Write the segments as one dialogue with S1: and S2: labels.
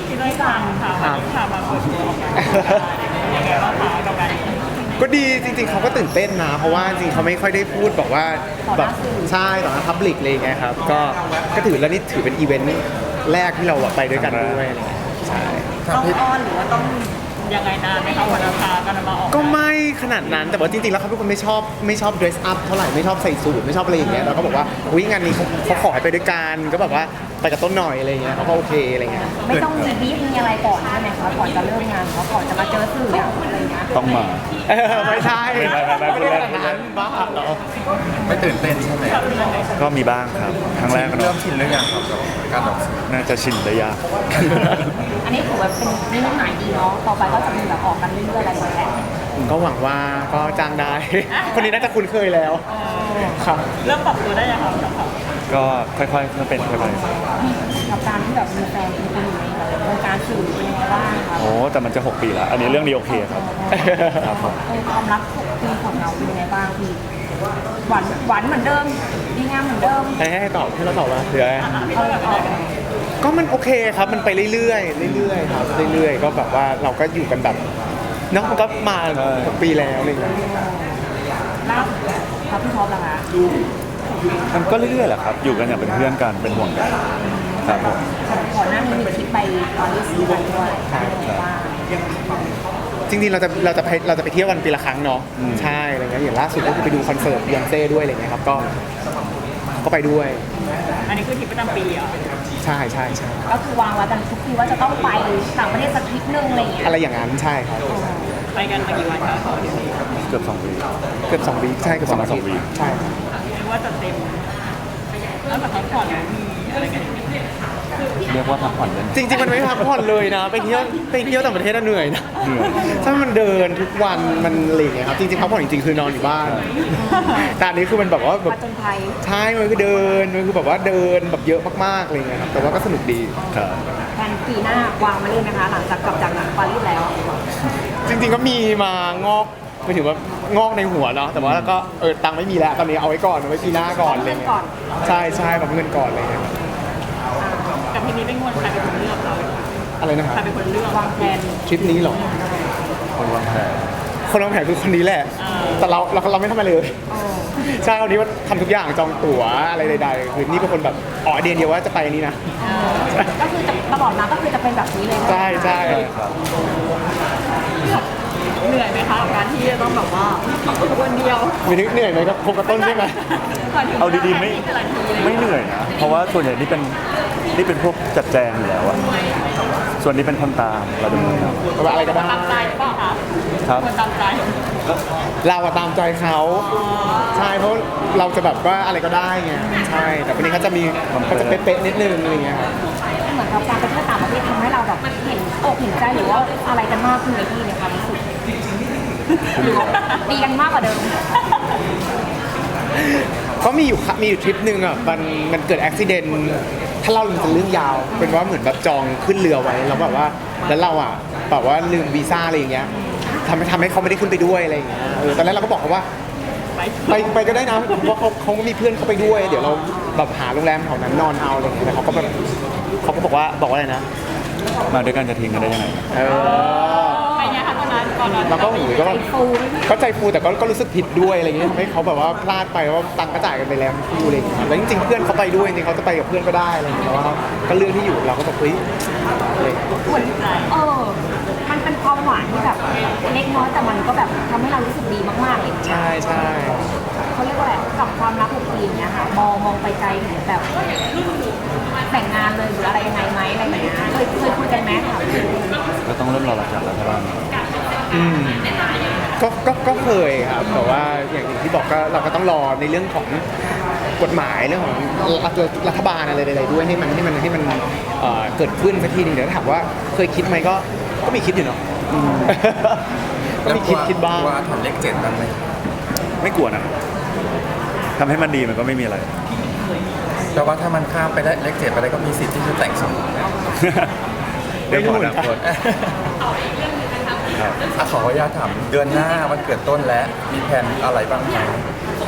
S1: ที่ได้ฟังค่ะวันนี้ค่ะมาเปิดตัวออกมายังไงบ้างคะกับการ
S2: ก็ดีจริงๆเขาก็ตื่นเต้นนะเพราะว่าจริงๆเขาไม่ค่อยได้พูดบอกว่าแบบใช่ต่อหน้าพับลิกเลยไงครับก็ถือแล้วนี่ถือเป็นอีเวนต์แรกที่เราไปด้วยกันด้วยอะไรเงี้ยใช่
S1: ต้องอ้อนหรือว่าต้องยังไงนานไหมคะวันราคากันมาออก
S2: ก็ไม่ขนาดนั้นแต่ว่าจริงๆแล้วเขาเป็นคนไม่ชอบ dress up เท่าไหร่ไม่ชอบใส่สูทไม่ชอบอะไรอย่างเงี้ยเราก็บอกว่าอุ้ยงานนี้เขาขอให้ไปด้วยกันก็แบบว่าไปกับต้นหน่อยอะไรเงี้ยเขาก็โอเคอะไรเงี้ย
S3: ไม่ต้องมีบีฟมีอะไรก่อนใช่ไหมคะก่อนจะเริ่มงานเขาก่อนจะมาเจอสื่ออะไรเงี้ย
S4: ต้องมา
S2: ไม่ใช่
S4: ไม่
S2: ได้ขนาดนั้นบ้าเหรอ
S5: ไม่ตื่นเต้นใช่ไหม
S4: ก็มีบ้างครับครั้งแรกก็
S5: เริ่มชินหรือยังครับกับการออกสื่อ
S4: น่าจะชินได้ยาก
S3: อันนี้ถือว่าเป็นนิมิตหมายดีเนาะต่อไปก็จะมีแบบออกกันเรื่อยๆอะไรอย่างเงี้ย
S2: ก็หวังว่าก็จ้างได้ คนนี้น่าจะคุ้นเคยแล้วครับ
S1: เริ่มปรับตัวได้ยังคะกับเขา
S4: ก็ค่อยๆเป็นค่อย
S3: ๆกับการที่แบบมีแฟนเป็นคนอยู่ในแบบวงการสื่อเป็นยังไงบ้างคะ
S4: ๆโอ้แต่มันจะ6 ปีแล้วอันนี้เรื่องนี้โอเคครับครับผม
S3: ความรัก6 ปีของเราเป็นยังไงบ้างพี่หวานเหมือนเดิมดีงามเหมือนเดิม
S2: ให้ตอบให้เราตอบว่าเดี๋ยวก็มันโอเคครับมันไปเรื่อยๆครับเรื่อยๆก็แบบว่าเราก็อยู่กันแบบเนาะมันก็มา6 ปีแล้วอะไรอย่างเงี้ย
S3: ล่าครับพี่ท็อปล่ะคะ
S4: มันก็เรื่อยๆแหละครับอยู่กันอย่างเป็นเพื่อนกันเป็นห่วงกันครับผม
S3: ก่อนหน้านี้มีคลิปไปปารีสกันด้วยว่า
S2: จริงๆเราจะไปเที่ยวกันปีละครั้งเนาะใช่อะไรเงี้ยอย่างล่าสุดก็คือไปดูคอนเสิร์ตบียอนเซ่ด้วยอะไรเงี้ยครับก็ไปด้วย
S1: อันนี้คือทริปประจำปีอ่ะ
S2: ใช่
S3: ก็คือวางไว้กันทุกทีว่าจะต้องไปต่างประเทศสักทริปนึงอะไรอย่างเงี้ย
S2: อะไรอย่างนั้นใช่ครับ
S1: ไปกันมากี่วันคะ
S4: เกือบ2 วี
S2: ใช่เกือบ2 วีใช่
S1: เรียกว่าจะเต็มแล้วแบบพักผ่อนมีอะไรกัน
S4: เรียกว่าพักผ่อนเลย
S2: จริงๆมันไม่พักผ่อนเลยนะไปเที่ยวต่างประเทศน่ะเหนื่อยนะถ้ามันเดินทุกวันมันอะไรอย่างเงี้ยครับจริงๆพักผ่อนจริงๆคือนอนอยู่บ้านแต่อันนี้คือมันแบบว่าแบบใช่มันคือเดินมันคือแบบว่าเดินแบบเยอะมากๆอะไรเงี้ยครับแต่ว่าก็สนุกดี
S4: ครับ
S3: แผนปีหน้าวางมาเล่นนะคะหลังจากกลับจากปารีสแล้ว
S2: จริงๆก็มีมางอกไม่ถึงว่างอกในหัวเนาะแต่ว่าก็ตังค์ไม่มีแล้วตอนนี้เอาไว้ก่อนเอาไว้ปีหน้าก่อนอะไรเงี้ยใช่แบบเงินก่อนอะไรเงี้ย
S1: กับทีนี้เป็นคนใครเป็นคนเลือกเรา
S2: อะไรนะครับ
S1: ใครเป็นคนเลือก
S3: วางแผน
S2: ทริปนี้หรอ
S4: คนวางแผน
S2: คือคนนี้แหละแต่เราไม่ทำอะไรเลยใช่วันนี้ว่าทำทุกอย่างจองตั๋วอะไรใดๆคือนี่เป็นคนแบบเดียวว่าจะไปนี้นะ
S3: ก็คือจะตลอดมาก็คือจะเป็นแบบนี้เลย
S2: ใช่
S1: เหนื่อยไหมคะกับการที่จะต้องแบบว่าคนเดียว
S2: มีนึกเหนื่อยไหมครับโคกระต้นใช่ไหม
S4: เอาดีๆไม่เหนื่อยนะเพราะว่าส่วนใหญ่นี่เป็นพวกจัดแจงอยู่แล้วอะส่วนนี้เป็นคนตามเราเป็นคนตาม
S2: อะไรก็ได้
S1: ตามใจเปล่าคะ
S4: ครับ
S1: คนตามใจ
S2: เราตามใจเขาใช่เพราะเราจะแบบว่าอะไรก็ได้ไงใช่แต่คนนี้เขาจะเป๊ะๆนิดนึงอะไรเงี้ยครับ
S3: เหมือนกับการไปเที่ยวต่างประเทศทำให้เราแบบเห็นอกเห็นใจหรือว่าอะไรกันมากขึ้นในที่ในความรู้สึกดีกันมากกว่าเดิม
S2: เขามีอยู่ทริปหนึ่งอ่ะมันเกิดอุบิเหตุถ้าเล่ามันจะเรื่องยาวเป็นว่าเหมือนแบบจองขึ้นเรือไว้แล้วแบบว่าแล้วเราอ่ะแบบว่าลืมวีซ่าอะไรอย่างเงี้ยทำให้เขาไม่ได้ขึ้นไปด้วยอะไรอย่างเงี้ยตอนแรกเราก็บอกเขาว่าไปก็ได้นะเพราะเขามีเพื่อนเขาไปด้วยเดี๋ยวเราแบบหาโรงแรมแถวนั้นนอนเอาอะไรอย่างเงี้ยแต่เขาก็บอกว่าอะไรนะ
S4: มาด้วยกันจะทิ้งกันได้ยังไง
S1: ไปเนี่ยค่ะตอนนั้นก่อน
S2: เราก็ก็ใจฟูแต่ก็รู้สึกผิดด้วยอะไรเงี้ยทำให้เขาแบบว่าพลาดไปว่าตังค์ก็จ่ายกันไปแล้วคู่อะไรอย่างเงี้ยแล้วจริงๆเพื่อนเขาไปด้วยจริงๆเขาจะไปกับเพื่อนก็ได้อะไรอย่างเงี้ยว่าก็เรื่องที่อยู่เราก็แบบเฮ้ย
S3: เหมือนมันเป็นความหวานที่แบบเล็กน้อยแต่มันก็แบบทำให้เรารู้สึกดีมากๆเลย
S2: ใช่
S3: เขาเรียกว่าอะไรกับความรัก6 ปีเนี่ยค่ะมองไปไกลถึงแบบแต่งงานเลยหรืออะไรยังไงไหมอะไรอย่างเงี้ยเคยคุยกันไหมค่ะ
S4: ก็ต้องเริ่มรอหลักจากแล้วใช่ไหม
S2: ก็เคยครับแต่ว่าอย่างที่บอกก็เราก็ต้องรอในเรื่องของกฎหมายเรื่องของรัฐบาลอะไรใดๆด้วยให้มันเกิดขึ้นสักทีนึงเดี๋ยวถามว่าเคยคิดไหมก็มีคิดอยู่เนาะก็มีคิดบ้าง
S5: ว่าทำเลข7บ้างไหม
S4: ไม่กลัวนะทำให้มันดีมันก็ไม่มีอะไร
S5: แต่ว่าถ้ามันข้ามไปได้เลข7ไปได้ก็มีสิทธิ์ที่จะแต่งสมรส
S4: เรื่องของอนาคต
S5: ขออนุญาตถามเดือนหน้าวันเกิดต้นแล้วมีแผนอะไรบ้างไหม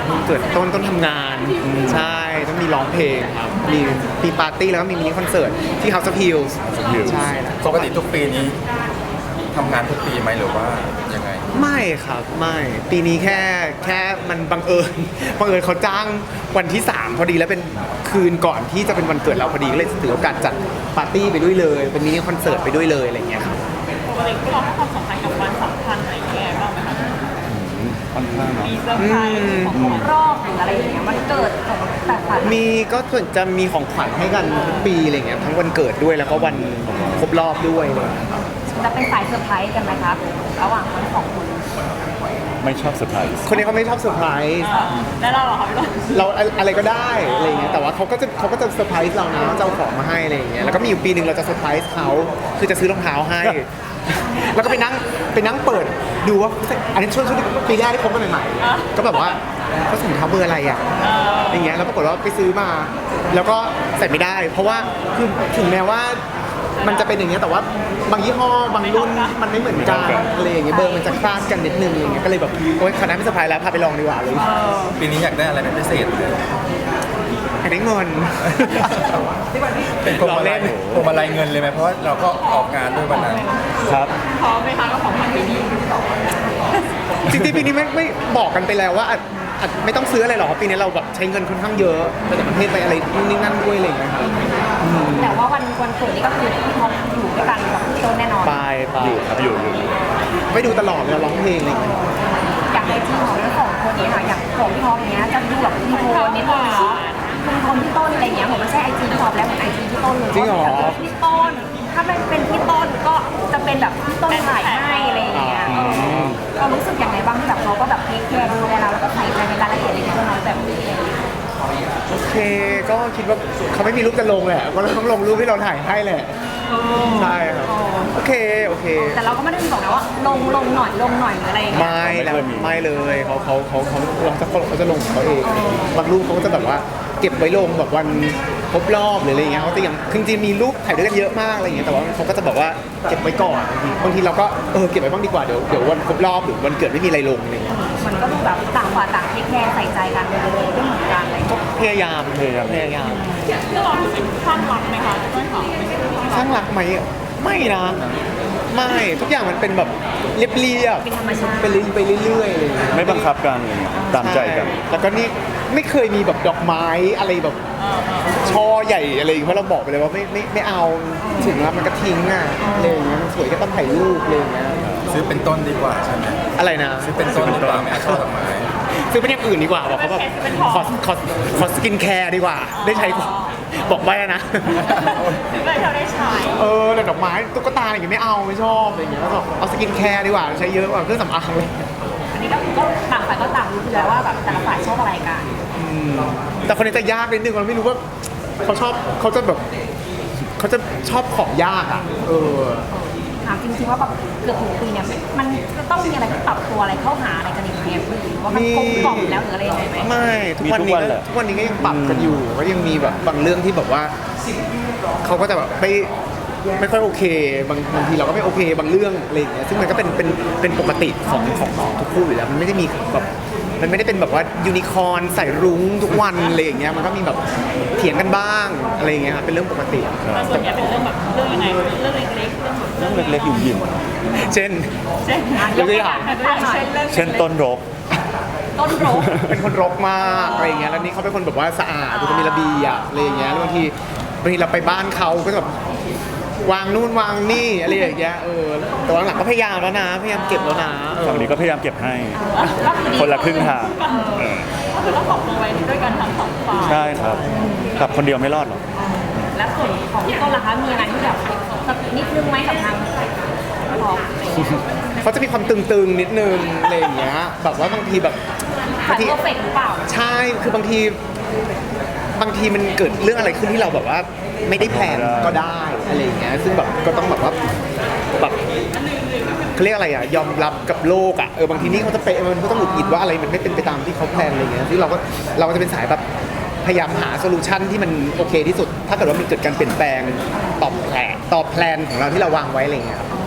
S2: เกิดต้นทำงานใช่ต้องมีร้องเพลงครับมีปาร์ตี้แล้วก็มีมินิคอนเสิร์ตที่ House of Hills ใช่แล้ว
S5: ปกติทุกปีนี้ทำงานทุกปีไหมหรือว่ายังไง
S2: ไม่ครับไม่ปีนี้แค่มันบังเอิญ บังเอิญเขาจ้างวันที่ 3 พอดีแล้วเป็นคืนก่อนที่จะเป็นวันเกิดเราพอดีก็เลยถือโอกาสจัดปาร์ตี้ไปด้วยเลยเป็นมินิคอนเสิร์ตไปด้วยเลยอะไรอย่างเงี้ยครับ
S1: ปกติพวกเราให้ความสำคัญกับวันสำคัญอะไรอย่างเงี้ยบ้างไหมคะ
S4: ค่อนข้างเนาะ
S1: มีเซอร์ไพรส์มีของขวัญ
S3: รอบหรืออะไรอย่างเงี้ยมันเกิดของแต่ฝัน
S2: มีก็ส่วนจะมีของขวัญให้กันทุกปีอะไรเงี้ยทั้งวันเกิดด้วยแล้วก็วันครบรอบด้วยอะไรเลย
S3: จะเป็นสายเซอร์ไพรส์กันไหมครับระหว่างทั้งสองคน
S4: ไม่ชอบเซอร์ไพรส์
S2: คนนี้เขาไม่ชอบเซอร์ไพรส์
S1: แล้วเราเหรอคะพี่ต้น
S2: เราอะไรก็ได้อะไรเงี้ยแต่ว่าเขาก็จะเซอร์ไพรส์เรานะจะเอาของมาให้อะไรอย่างเงี้ยแล้วก็มีอยู่ปีหนึ่งเราจะเซอร์ไพรส์เขาคือจะซื้อรองเท้าให้ แล้วก็ไปนั่งเปิดดูว่าอันนี้ช่วงปีแรกที่คบกันใหม่ๆก็แบบว่าเขาใส่รองเท้าเบอร์อะไรอ่ะอย่างเงี้ยแล้วปรากฏว่าไปซื้อมา แล้วก็ใส่ไม่ได้ เพราะว่าคือถึงแม้ว่ามันจะเป็นอย่างเงี้ยแต่ว่าบางยี่ห้อบางรุ่นมันไม่เหมือนกันอะไรอย่างเงี้ยเบอร์มันจะคลาดกันนิดนึงอะไรเงี้ยก็เลยแบบโอ๊ยคณะไม่เซอร์ไพรส์แล้วพาไปลองดีกว่าเลย
S5: ปีนี้อยากได้อะไรเป็นพิเศษไหม
S2: อยากได้เงิน
S5: เป็นพวง
S2: ล้อ
S5: มา
S2: เล่
S5: ลัย
S2: น
S5: พวงมาลัยเงินเลยไหมเพราะว่าเราก็ออกงานด้วยวันนั้น
S4: ครับ
S1: พร้อมไหมคะกับของขวัญปีนี้
S2: จริงๆปีนี้ไม่บอกกันไปแล้วว่าอาจไม่ต้องซื้ออะไรหรอกเพราะปีนี้เราแบบใช้เงินค่อนข้างเยอะไปต่างประเทศไปอะไรนู่นนี่นั่นด้วยอะไรอย่างเงี้ยครับ
S3: แต่ว่าวันเกิดนี่ก็คือพี่ท็อปอยู่ด้วยกันกับพี่ต้นแน่นอน
S2: ไป
S4: อยู่ครับอยู่
S2: ไปดูตลอดเวลาร้องเพลงอะไรอย่างเงี้ย
S3: อยากให้ทีมของทั้งสองคนนี้ค่ะอย่างของพี่ท็อปเนี้ยจะดูแบบมีโทนนิดนึงเนาะคุณคนพี่ต้นอะไรเงี้ยผมไม่ใช่ไอจีพี่ท็อปแล้วเหมือนไอจีพี่ต้นเลย
S2: จริงเหรอ
S3: พี่ต้นถ้ามันเป็นพี่ต้นก็จะเป็นแบบพี่ต้นถ่ายให้อะไรอย่างเงี้ยเรารู้สึกอย่างไรบ้างที่แบบเขาก็แบบเทคแคร์ดูแลเราแล้วก็ใส่ใจในรายละเอียดเล็กๆน้อยๆแบบนี้
S2: โอเคก็คิดว่าเขาไม่มีรูปจะลงแหละก็เลยต้องลงรูปที่เราถ่ายให้แหละใช่ครับโอเค
S3: แต่เราก็ไม่ได้มีบอกนะว่าลงหน่อยหรืออะไรอย่างเงี้ย
S2: ไม่แล้วไม่เลยเขาจะลงของเขาเองบางรูปเขาก็จะแบบว่าเก็บไว้ลงแบบวันครบรอบหรืออะไรเงี้ยเขาจะยังคือจริงๆมีรูปถ่ายด้วยกันเยอะมากอะไรเงี้ยแต่ว่าเขาก็จะแบบว่าเก็บไว้ก่อนบางทีเราก็เก็บไว้บ้างดีกว่าเดี๋ยววันครบรอบหรือวันเกิดไม่มีอะไรลงอะไรเงี้ย
S3: มันก็ดูแบบต่างฝ่ายต่างเทคแคร์ใส่ใจกันเลยไม่เหมือนกันอะไรอย่าง
S2: ก็
S3: เงี้ย
S2: พยายาม
S1: ที่เรารู้สึกข้างรักไหมคะพี่ต้นค่ะไม่ใช่ข้างรัก
S2: ข้างรักไหมไม่นะไม่ทุกอย่างมันเป็นแบบเรียบ
S3: เป็นธรรมชาติ
S2: ไปเรื่อยๆอะไรเงี้ย
S4: ไม่บังคับกันอะไรเงี้ยตามใจกัน
S2: แล้วก็นี่ไม่เคยมีแบบดอกไม้อะไรแบบช่อใหญ่อะไรอย่างเงี้ยเพราะเราบอกไปเลยว่าไม่เอาถึงแล้วมันก็ทิ้งอ่ะอะไรอย่างเงี้ยมันสวยก็ต้องถ่ายรูปอะไรอย่างเงี้ย
S5: ซื้อเป็นต้นดีกว่าใช่ไหม
S2: อะไรนะ
S5: ซื้อเป็นต้นดีกว่าไม่เอาช่อดอกไม้
S2: ซื้อเป็นอย่างอื่นดีกว่าบอกเขาแบบขอสกินแคร์ดีกว่า ได้ใช้กว่าบอกไว้นะ
S1: ถึงเลยเราได้ใช้
S2: แต่ดอกไม้ตุ๊กตาอะไรอย่างเงี้ยไม่เอาไม่ชอบอะไรอย่างเงี้ยแล้วก็เอาสกินแคร์ดีกว่าใช้เยอะกว่าเครื่องสำอางเลย
S3: อันนี้ก็ต่างฝ่ายก็ต่างรู้อยู่แล้วว่าแบบแต่ละฝ่ายชอบอะไรกัน
S2: แต่คนนี้จะยากนิดนึงเราไม่รู้ว่าเขาจะชอบของยากอ่ะ
S3: ถามจริงๆว่าแบบเกือบถึงปีเนี่ยมันจะต้องมีอะไรที่ปรับตัวอะไรเข้าหาอะไรกันอีกไหมว่ามันกลมกล่อมแล้วหรืออะไรยังไงไหม
S2: ไม่ทุกวันนี้ก็ยังปรับกันอยู่ก็ยังมีแบบบางเรื่องที่แบบว่าเขาก็จะแบบไม่ค่อยโอเคบางทีเราก็ไม่โอเคบางเรื่องอะไรอย่างเงี้ยซึ่งมันก็เป็นปกติของทุกคู่อยู่แล้วมันไม่ได้มีแบบมันไม่ได้เป็นแบบว่ายูนิคอร์นใส่รุ้งทุกวันอะไรอย่างเงี้ยมันก็มีแบบเถียงกันบ้างอะไรอย่างเงี้ยครับเป็นเรื่องปกติ
S1: แต่ส่วนใหญ่เป็นเรื่องแบบเรื่องยังไงเรื่องเล็กๆเรื่อง
S4: เรื่องเล็กๆหยิ่ม
S2: เช่น
S1: เช่น
S2: ยกตัวอย่าง
S4: ๆเช่นต้นรก
S3: ต้นโรค
S2: เป็นคนรกมากอะไรอย่างเงี้ยแล้วนี่เขาเป็นคนแบบว่าสะอาดเป็นคนมีระเบียบอะไรอย่างเงี้ยแล้วบางทีเราไปบ้านเขาก็จะแบบวางนู่นวางนี่อะไรอย่างเงี้ยแต่ว่าหลังก็พยายามแล้วนะพยายามเก็บแล้วนะ
S4: ฝั่งนี้ก็พยายามเก็บให้
S1: ก็คือ
S4: คนละครึ่งทาง
S1: ก็คือต้องปรับตัวไว้ด้วยกันทั้งสองฝ่าย
S4: ใช่ครับกับคนเดียวไม่รอดหรอก
S3: และส่วนของพี่ต้นล่ะคะมีอะไรที่แบบนิดนึงไหมกับทางพี่ท็อป
S2: เขาจะมีความตึงๆนิดนึงอะไรอย่างเงี้ยแบบว่าบางทีแบบ
S3: ขาดเพอร์เฟกต์หรือเปล่า
S2: ใช่คือบางทีมันเกิดเรื่องอะไรขึ้นที่เราแบบว่าไม่ได้แพลนก็ได้อะไรอย่างเงี้ยซึ่งแบบก็ต้องแบบว่าแบบเขาเรียกอะไรอ่ะยอมรับกับโลกอ่ะบางทีนี่เขาจะเป๊ะมันก็ต้องหงุดหงิดว่าอะไรมันไม่เป็นไปตามที่เขาแพลนอะไรอย่างเงี้ยซึ่งเราก็จะเป็นสายแบบพยายามหาโซลูชันที่มันโอเคที่สุด ถ้าเกิดว่ามันเกิดการเปลี่ยนแปลงตอบแพลนของเราที่เราวางไว้อะไรอย่างเงี้ยครับ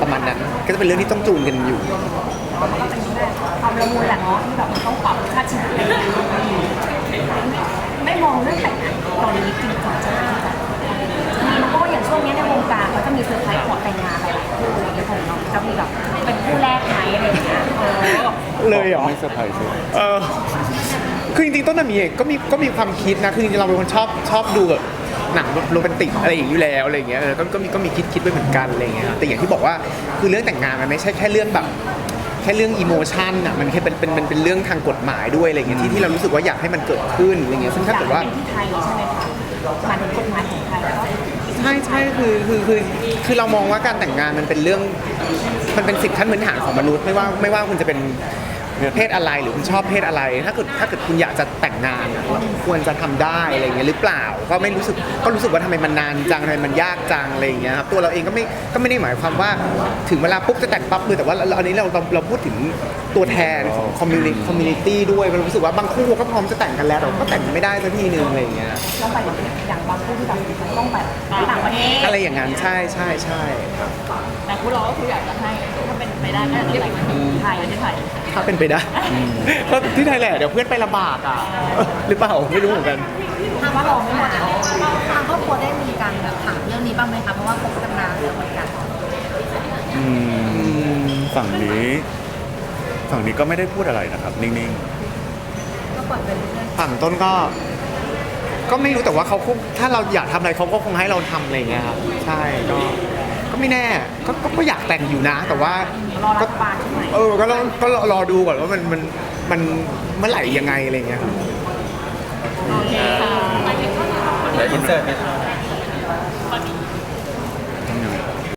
S2: ประมาณนั้น ก็จะเป็นเรื่องที่ต้องจูนกันอยู่
S3: มันก็เป็นแค่ความละมุนแหละเนาะที่แบบมันต้องปรับค่าชีวิตอะไรอย่างเงี้ยไม่มองเรื่องแต่งงานตอนนี้จริงจังใช่ไหมมีเพราะว่าอย่างช่วงนี้ในวงการเขาจะมีเซอร์ไพรส์ขอแต่งงานหลายๆคู่อะไรอย่างเงี้ยของน้องจะมีแบบเป็นคู่แรกไหมอะไรอย่างเงี้ย
S2: เลยเหรอ
S4: ไม่เซอร์ไพรส์เลย
S2: คือจริงๆต้นน่ะมีก็มีความคิดนะคือจริงๆเราเป็นคนชอบดูแบบหนังโรแมนติกอะไรอย่างนี้อยู่แล้วอะไรอย่างเงี้ยก็มีคิดไว้เหมือนกันอะไรอย่างเงี้ยแต่อย่างที่บอกว่าคือเรื่องแต่งงานมันไม่ใช่แค่เรื่องแบบแค่เรื่องอิโมชันอ่ะมันแค่เป็นเรื่องทางกฎหมายด้วยอะไรอย่างเงี้ยที่เรารู้สึกว่าอยากให้มันเกิดขึ้นอะไรเงี้ยซึ่งถ้าเกิดว่า
S3: อยกเป็นที่ไทยใช่ไหมคะหมายถึงกฎหมายของไทยแล้วก็
S2: ใช่คือเรามองว่าการแต่งงานมันเป็นเรื่องมันเป็นสิทธิขั้นพื้นฐานของมนุษย์ไม่ว่าคุณจะเป็นเพศอะไรหรือคุณชอบเพศอะไรถ้าเกิดคุณอยากจะแต่งงานอะควรจะทำได้อะไรอย่างเงี้ยหรือเปล่าก็รู้สึกว่าทำไมมันนานจังทำไมมันยากจังอะไรอย่างเงี้ยครับตัวเราเองก็ไม่ได้หมายความว่าถึงเวลาปุ๊บจะแต่งปั๊บเลยแต่ว่าอันนี้เราพูดถึงตัวแทนของคอมมูนิตี้ด้วยเรารู้สึกว่าบางคู่ก็พร้อมจะแต่งกันแล้วแต่ก็แต่งไม่ได้สักทีนึงอะไรอย่างเงี้ย
S3: ต้องไปอย่างบางคู่ที่แบบต้องแบบต่างประเทศ
S2: อะไรอย่างนั้นใช่
S1: แต่พวกเราก็คืออยากจะให้ถ้าเป็นไปได้ก็อยากจะแต่งงานที่ไทยที่ไทย
S2: ถ้าเป็นไปได้ก็ที่ไทยแหละเดี๋ยวเพื่อนไปลำบากอ่ะหรือเปล่าไม่รู้เหมือนกัน
S3: ถามว่าเราไม่หมดแล้วทางครอบครัวได้มีการแบบถามเรื่องนี้บ้างไหมคะเพราะว่าคบกันนานแล้วเหมือนกัน
S4: ฝั่งนี้ก็ไม่ได้พูดอะไรนะครับ นิ่ง
S3: ก็ปล่อยเป็นเรื่อง
S2: ฝั่งต้นก็ไม่รู้แต่ว่าเขาคงถ้าเราอยากทำอะไรเขาก็คงให้เราทำอะไรอย่างเงี้ยครับใช่ก็ไม่แน่ก็อยากแต่งอยู่นะ แต่ว่าร
S3: อรัฐบาลใช่ไหม
S2: ก็รอดูก่อนว่ามันเมื่อไหร่ยังไงอะไรอย่างเงี้ยครับ
S1: โอเคค่ะ
S5: เดี๋ยวอินเสิร์ต